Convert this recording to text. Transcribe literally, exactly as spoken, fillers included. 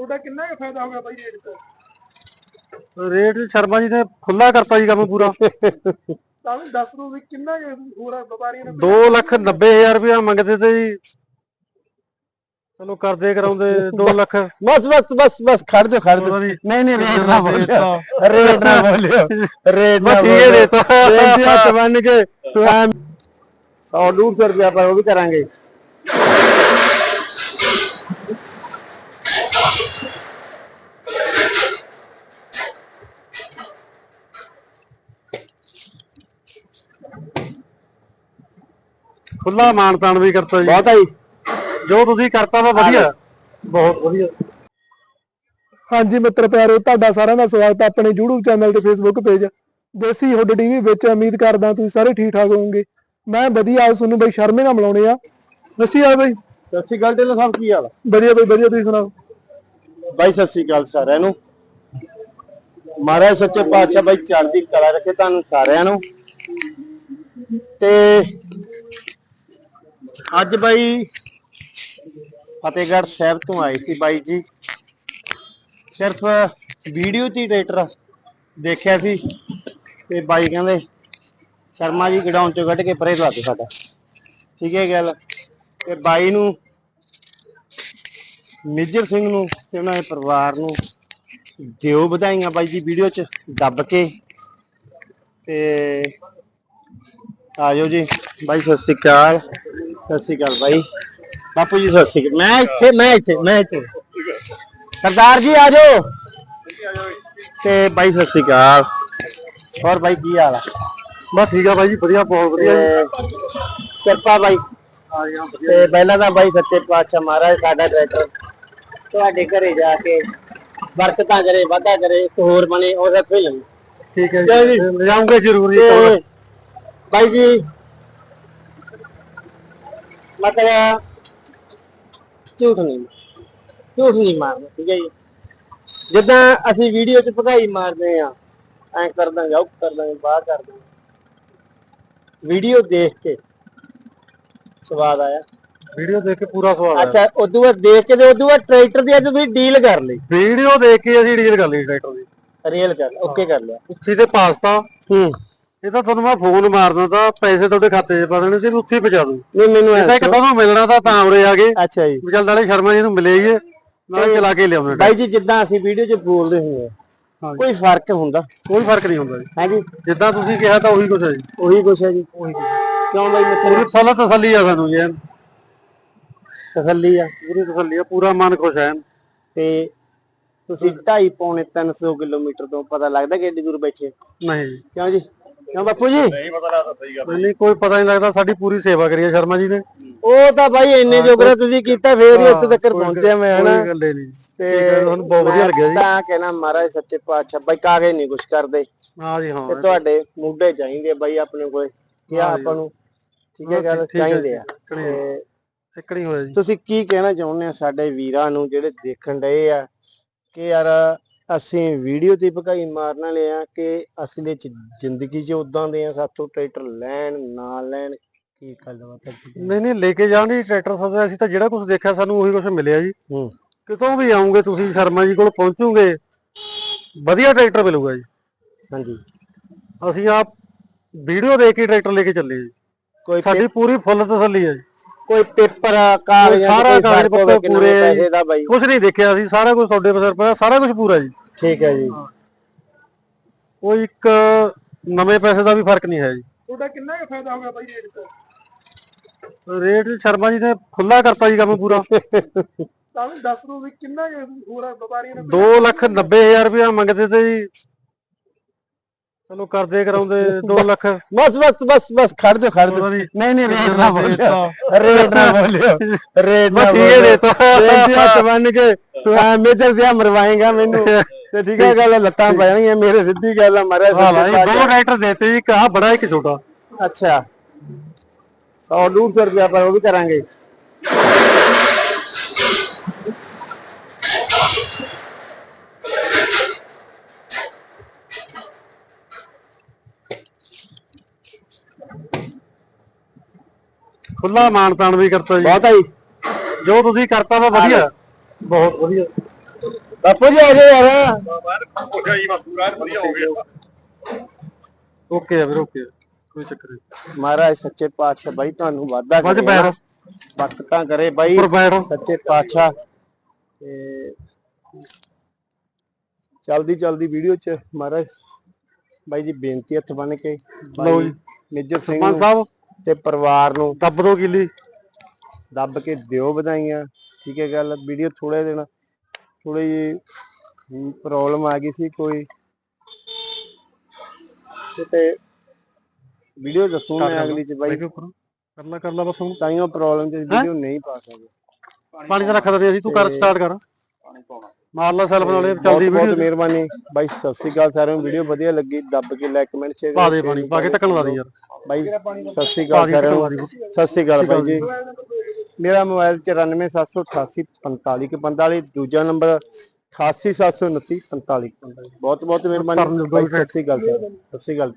ਤੁਹਾਡਾ ਕਿੰਨਾ ਕੁ ਫਾਇਦਾ ਹੋ ਗਿਆ ਬਾਈ ਰੇਟ ਤੇ? रेट शर्मा जी ने खुला करता जी काम पूरा। ਤਾਂ ਵੀ ਦੱਸ ਦੋ ਵੀ ਕਿੰਨਾ ਕੁ ਹੋਰ ਵਪਾਰੀਆਂ ਨੇ? दो लख नब्बे हजार रुपया मंगते थे जी, चलो करदे कराउंदे दो लख। बस बस बस बस खड़ दो खड़ दो। नहीं नहीं रेट ना बोलियो, रेट ना बोलियो, रेट ना ठीक है देता बेनती हाथ बन के तू सौ डेढ़ सौ रुपया पर वो भी करांगे। खुला मान तान भी करता जी, बहुत आई जो तुसी करता वा वधिया, बहुत वधिया। ਹਾਂਜੀ ਮਿੱਤਰ ਪਿਆਰੋ, ਤੁਹਾਡਾ ਸਾਰਿਆਂ ਦਾ ਸਵਾਗਤ ਹੈ ਆਪਣੇ YouTube ਚੈਨਲ ਤੇ Facebook page Desi hood TV ਵਿੱਚ। ਉਮੀਦ ਕਰਦਾ ਤੁਸੀਂ ਸਾਰੇ ਠੀਕ ਠਾਕ ਹੋਵੋਗੇ। ਮੈਂ ਵਧੀਆ, ਤੁਹਾਨੂੰ ਬਈ ਸ਼ਰਮੇ ਨਾਲ ਮਿਲਾਉਣੇ ਆ। ਸੱਚੀ ਆ ਬਈ? ਸਤਿ ਸ਼੍ਰੀ ਅਕਾਲ ਢਿੱਲੋਂ ਸਾਹਿਬ, ਕੀ ਹਾਲ ਆ? ਵਧੀਆ ਬਈ ਵਧੀਆ, ਤੁਸੀਂ ਸੁਣਾਓ? ਬਾਈ ਸਤਿ ਸ਼੍ਰੀ ਅਕਾਲ ਸਾਰਿਆਂ ਨੂੰ। ਮਹਾਰਾਜ ਸੱਚੇ ਪਾਤਸ਼ਾਹ ਬਾਈ ਚੜ੍ਹਦੀ ਕਲਾ ਰੱਖੇ ਤੁਹਾਨੂੰ ਸਾਰਿਆਂ ਨੂੰ। ਤੇ ਅੱਜ ਬਾਈ ਫਤਿਹਗੜ੍ਹ ਸਾਹਿਬ ਤੋਂ ਆਏ ਸੀ ਬਾਈ ਜੀ, ਸਿਰਫ ਵੀਡੀਓ ਤੇ ਟਰੈਕਟਰ ਦੇਖਿਆ ਸੀ ਤੇ ਬਾਈ ਕਹਿੰਦੇ ਸ਼ਰਮਾ ਜੀ ਗਡਾਊਨ ਚੋਂ ਕੱਢ ਕੇ ਪਰੇ ਲਾ ਦੇ ਸਾਡਾ। ਠੀਕ ਹੈ ਗੱਲ। ਤੇ ਬਾਈ ਨੂੰ, ਮੇਜਰ ਸਿੰਘ ਨੂੰ ਤੇ ਉਹਨਾਂ ਦੇ ਪਰਿਵਾਰ ਨੂੰ ਦਿਓ ਵਧਾਈਆਂ ਬਾਈ ਜੀ, ਵੀਡੀਓ ਚ ਦੱਬ ਕੇ। ਤੇ ਆਜੋ ਜੀ ਬਾਈ, ਸਤਿ ਸ਼੍ਰੀ ਅਕਾਲ। ਸਤਿ ਸ਼੍ਰੀ ਅਕਾਲ ਬਾਈ। ਬਾਪੂ ਜੀ ਸਤਿ ਸ਼੍ਰੀ ਅਕਾਲ। ਮੈਂ ਇੱਥੇ ਮੈਂ ਇੱਥੇ ਮੈਂ ਇੱਥੇ सरदार जी आ जाओ। ते भाई सत श्री अकाल। और भाई की हाल है? बस ठीक है भाई जी, बढ़िया, बहुत बढ़िया। कृपा भाई ते पहला तो भाई सच्चे पातशाह महाराज साडा ट्रैक्टर तुहाडे घरे जाके बरकतां करे, वाधा करे, होर बने और रखे लगे। ठीक है जी, ले जाऊंगे जरूर जी। भाई जी मतलब झूठ नहीं ਝੂਠ ਨਹੀਂ ਮਾਰਨਾ, ਠੀਕ ਹੈ ਜੀ। ਜਿੱਦਾਂ ਅਸੀਂ ਵੀਡੀਓ 'ਚ ਭਗਾਈ ਮਾਰਦੇ ਆ, ਐਂ ਕਰ ਦਾਂਗੇ, ਉਹ ਕਰ ਦਾਂਗੇ, ਬਾਹਰ ਕਰ ਦਾਂਗੇ। ਵੀਡੀਓ ਦੇਖ ਕੇ ਸਵਾਦ ਆਇਆ? ਵੀਡੀਓ ਦੇਖ ਕੇ ਪੂਰਾ ਸਵਾਦ ਆਇਆ। ਅੱਛਾ, ਉਦੋਂ ਬਾਅਦ ਦੇਖ ਕੇ ਤੇ ਉਦੋਂ ਬਾਅਦ ਟਰੈਕਟਰ ਦੀ ਅੱਜ ਤੁਸੀਂ ਡੀਲ ਕਰ ਲਈ? ਵੀਡੀਓ ਦੇਖ ਕੇ ਅਸੀਂ ਡੀਲ ਕਰ ਲਈ ਟਰੈਕਟਰ ਦੀ। ਰੀਅਲ ਕਰ ਲਿਆ, ਓਕੇ ਕਰ ਲਿਆ। ਉੱਥੇ ਤੇ ਪਾਸਤਾ ਹੂੰ, ਇਹ ਤਾਂ ਤੁਹਾਨੂੰ ਮੈਂ ਫੋਨ ਮਾਰਦਾ ਤਾਂ ਪੈਸੇ ਤੁਹਾਡੇ ਖਾਤੇ 'ਚ ਪਾ ਦੇਣੇ ਸੀ, ਉੱਥੇ ਪਹੁੰਚਾ ਦੂੰ। ਨਹੀਂ ਮੈਨੂੰ ਇਹ ਤਾਂ ਇੱਕ ਤੁਹਾਨੂੰ ਮਿਲਣਾ ਤਾਂ ਤਾਂ ਉਰੇ ਆ ਗਏ। ਅੱਛਾ ਜੀ, ਚੱਲ ਨਾਲੇ ਸ਼ਰਮਾ ਜੀ ਨੂੰ ਮਿਲੇ ਹੀ ਨਾਲ ਚਲਾ ਕੇ ਲਿਆਉਣਾ। ਬਾਈ ਜੀ ਜਿੱਦਾਂ ਅਸੀਂ ਵੀਡੀਓ 'ਚ ਬੋਲਦੇ ਹੁੰਦੇ ਆ, ਕੋਈ ਫਰਕ ਹੁੰਦਾ? ਕੋਈ ਫਰਕ ਨਹੀਂ ਹੁੰਦਾ ਜੀ। ਹਾਂਜੀ, ਜਿੱਦਾਂ ਤੁਸੀਂ ਕਿਹਾ ਤਾਂ ਉਹੀ ਕੁਛ ਹੈ ਜੀ। ਉਹੀ ਕੁਛ ਹੈ ਜੀ। ਉਹੀ ਕਿਉਂ ਬਾਈ? ਪੂਰੀ ਫੁੱਲ ਤਸੱਲੀ ਆ ਸਾਨੂੰ ਜੀ, ਤਸੱਲੀ ਆ, ਪੂਰੀ ਤਸੱਲੀ ਆ, ਪੂਰਾ ਮਨ ਖੁਸ਼ ਹੈ। ਤੇ ਤੁਸੀਂ ਢਾਈ ਪੌਣੇ ਤਿੰਨ ਸੌ ਕਿਲੋਮੀਟਰ ਤੋਂ ਪਤਾ ਲੱਗਦਾ ਕਿ ਏਡੀ ਦੂਰ ਬੈਠੇ? ਨਹੀਂ। ਕਿਉਂ ਜੀ? ਕਿਉਂ ਬਾਪੂ ਜੀ? ਨਹੀਂ ਪਤਾ ਲੱਗਦਾ। ਸਹੀ ਗੱਲ ਨਹੀਂ, ਕੋਈ ਪਤਾ ਨਹੀਂ ਲੱਗਦਾ। ਸਾਡੀ ਪੂਰੀ ਸੇਵਾ ਕਰੀ ਹੈ ਸ਼ਰਮਾ ਜੀ ਨੇ। ਉਹ ਤਾਂ ਬਾਈ ਇੰਨੇ ਜੋਗਰਾ ਤੁਸੀਂ ਕੀਤਾ, ਫੇਰ ਹੀ ਇੱਥੇ ਤੱਕ ਪਹੁੰਚਿਆ ਮੈਂ, ਹਨਾ। ਕੋਈ ਗੱਲ ਨਹੀਂ। ਤੇ ਤੁਹਾਨੂੰ ਬਹੁਤ ਵਧੀਆ ਲੱਗਿਆ ਜੀ। ਤਾਂ ਕਹਿਣਾ ਮਹਾਰਾਜ ਸੱਚੇ ਪਾਤਸ਼ਾਹ ਬਾਈ ਕਾਗਜ਼ ਨਹੀਂ ਕੁਛ ਕਰਦੇ। ਹਾਂ ਜੀ, ਹਾਂ। ਤੇ ਤੁਹਾਡੇ ਮੁੱਢੇ ਚਾਹੀਦੇ ਬਾਈ ਆਪਣੇ ਕੋਲ, ਕਿਹਾ ਆਪਾਂ ਨੂੰ, ਠੀਕ ਹੈ ਗੱਲ, ਚਾਹੀਦੇ ਆ। ਤੇ ਇਕੜੀ ਹੋਇਆ ਜੀ। ਤੁਸੀਂ ਕੀ ਕਹਿਣਾ ਚਾਹੁੰਦੇ ਆ ਸਾਡੇ ਵੀਰਾਂ ਨੂੰ ਜਿਹੜੇ ਦੇਖਣ ਡਏ ਆ ਕਿ ਯਾਰ ਅਸੀਂ ਵੀਡੀਓ ਤੇ ਭਗਾਈ ਮਾਰਨ ਵਾਲੇ ਆ ਕਿ ਅਸਲੀ ਚ ਜ਼ਿੰਦਗੀ 'ਚ ਉਦਾਂ ਦੇ ਆ? ਸਾਥੋਂ ਟਰੈਕਟਰ ਲੈਣ ਨਾ ਲੈਣ, ਕੀ ਗੱਲਬਾਤ ਹੈ? ਨਹੀਂ ਨਹੀਂ, ਲੈ ਕੇ ਜਾਣ ਦੀ ਟਰੈਕਟਰ ਸਭ। ਅਸੀਂ ਤਾਂ ਜਿਹੜਾ ਕੁਝ ਦੇਖਿਆ ਸਾਨੂੰ ਉਹੀ ਕੁਝ ਮਿਲਿਆ ਜੀ। ਹੂੰ, ਕਿਤੋਂ ਵੀ ਆਉਂਗੇ ਤੁਸੀਂ ਸ਼ਰਮਾ ਜੀ ਕੋਲ ਪਹੁੰਚੋਗੇ, ਵਧੀਆ ਟਰੈਕਟਰ ਮਿਲੂਗਾ ਜੀ। ਹਾਂਜੀ, ਅਸੀਂ ਆਪ ਵੀਡੀਓ ਦੇਖ ਕੇ ਟਰੈਕਟਰ ਲੈ ਕੇ ਚੱਲੇ ਜੀ। ਕੋਈ ਸਾਡੀ ਪੂਰੀ ਫੁੱਲ ਤਸੱਲੀ ਹੈ ਜੀ। ਕੋਈ ਪੇਪਰ ਕਾਗਜ਼ ਸਾਰਾ ਕਾਗਜ਼ ਪੱਤਰ ਪੂਰੇ, ਪੈਸੇ ਦਾ ਬਾਈ ਕੁਝ ਨਹੀਂ ਦੇਖਿਆ ਅਸੀਂ, ਸਾਰਾ ਕੁਝ ਤੁਹਾਡੇ ਸਿਰ ਪਿਆ, ਸਾਰਾ ਕੁਝ ਪੂਰਾ ਜੀ। ਠੀਕ ਹੈ ਜੀ। ਕੋਈ ਇੱਕ ਨਵੇਂ ਪੈਸੇ ਦਾ ਵੀ ਫਰਕ ਨਹੀਂ ਹੈ ਜੀ। ਤੁਹਾਡਾ ਕਿੰਨਾ ਕੁ ਫਾਇਦਾ ਹੋ ਗਿਆ ਬਾਈ ਰੇਟ ਤੇ? ਰੇਟ ਸ਼ਰਮਾ ਜੀ ਨੇ ਖੁੱਲਾ ਕਰਤਾ ਜੀ ਕੰਮ ਪੂਰਾ। ਤਾਂ ਵੀ ਦੱਸ ਦੋ ਵੀ ਕਿੰਨਾ ਕੁ ਹੋਰ ਵਪਾਰੀਆਂ ਨੇ? ਦੋ ਲੱਖ ਨੱਬੇ ਹਜ਼ਾਰ ਰੁਪਇਆ ਮੰਗਦੇ ਤੇ ਜੀ, ਚਲੋ ਕਰਦੇ ਕਰਾਉਂਦੇ ਦੋ ਲੱਖ। बस बस बस बस खड़ दो खड़ दो। नहीं नहीं रेट ना बोलियो, रेट ना बोलियो, रेट ना ठीक है देता। हाथ बन के तू मेजर से मरवाएगा मेनू ते ठीक है गल, लत्तां पै जाणगियां मेरे, सीधी गल है मारे। दो ट्रैक्टर देते जी, कहा बड़ा एक छोटा। अच्छा, सौ डेढ़ सौ रुपया पर वो भी करांगे। खुला मान तान भी करता जी, बहुत आई जो तुसी करता वा वधिया, बहुत वधिया। ਬਾਪੂ ਜੀ ਆ ਜਾਓ ਯਾਰ। ਓਕੇ ਆ ਵੀਰ ਓਕੇ ਕੋਈ ਚੱਕਰ ਨਹੀਂ। ਮਹਾਰਾਜ ਸੱਚੇ ਪਾਤਸ਼ਾਹ ਬਾਈ ਤੁਹਾਨੂੰ ਵਾਧਾ ਬਾਅਦ ਚ ਕਰੇ ਬੈਠ ਨਾ, ਬਰਕਤਾਂ ਕਰੇ ਬਾਈ ਉੱਪਰ ਬੈਠ ਸੱਚੇ ਪਾਤਸ਼ਾਹ। ਤੇ ਚਲਦੀ ਚਲਦੀ ਵੀਡੀਓ ਚ ਮਹਾਰਾਜ ਬਾਈ ਜੀ ਬੇਨਤੀ ਹੱਥ ਬੰਨ ਕੇ ਲਓ ਬਾਈ ਜੀ ਮੇਜਰ ਸਿੰਘ ਸਰਪੰਚ ਨੂੰ ਸਾਹਿਬ ਤੇ ਪਰਿਵਾਰ ਨੂੰ ਦੱਬ ਦੋ ਕਿੱਲੀ ਦੱਬ ਕੇ ਦਿਓ ਵਧਾਈਆਂ। ਠੀਕ ਹੈ ਗੱਲ। ਵੀਡੀਓ ਥੋੜੇ ਦਿਨ ਥੋੜੀ ਜਿਹੀ ਪ੍ਰੋਬਲਮ ਆ ਗਈ ਸੀ ਕੋਈ ਤੇ ਵੀਡੀਓ ਦੱਸੂ ਮੈਂ ਅਗਲੀ ਚ ਬਾਈ, ਕਰ ਲਾ ਕਰ ਲਾ ਬਸ ਹੁਣ ਤਾਈਓ ਪ੍ਰੋਬਲਮ ਚ ਵੀਡੀਓ ਨਹੀਂ ਪਾ ਸਕਦੇ। ਪਾਣੀ ਤਾਂ ਰੱਖ ਦਿੰਦੇ ਅਸੀਂ ਤੂੰ ਕਰ ਸਟਾਰਟ ਕਰ ਮਾਰ ਲਾ ਸੈਲਫ ਨਾਲੇ ਬਹੁਤ ਚੱਲਦੀ ਬਹੁਤ ਵੀਡੀਓ ਮਿਹਰਬਾਨੀ ਬਾਈ। ਸਤਿ ਸ੍ਰੀ ਅਕਾਲ ਸਾਰਿਆਂ ਨੂੰ। ਵੀਡੀਓ ਵਧੀਆ ਲੱਗੀ ਦੱਬ ਕੇ ਲਾਈਕ ਕਮੈਂਟ ਸ਼ੇਅਰ ਪਾ ਦੇ ਪਾਣੀ ਪਾ ਕੇ ਢੱਕਣ ਲਾ ਦੇ ਯਾਰ ਬਾਈ। ਸਤਿ ਸ੍ਰੀ ਅਕਾਲ ਸਾਰਿਆਂ ਨੂੰ। ਸਤਿ ਸ੍ਰੀ ਅਕਾਲ ਬਾਈ ਜੀ। ਮੇਰਾ ਮੋਬਾਈਲ ਚੁਰਾਨਵੇਂ ਸੱਤ ਸੌ ਅਠਾਸੀ ਪੰਤਾਲੀ ਕੁ ਪੰਤਾਲੀ, ਦੂਜਾ ਨੰਬਰ ਅਠਾਸੀ ਸੱਤ ਸੌ ਉਨੱਤੀ ਪੰਤਾਲੀ ਕੁ ਪੰਤਾਲੀ। ਬਹੁਤ ਬਹੁਤ ਮਿਹਰਬਾਨੀ ਬਾਈ। ਸਤਿ ਸ੍ਰੀ ਅਕਾਲ ਸਰ। ਸਤਿ ਸ੍ਰੀ ਅਕਾਲ।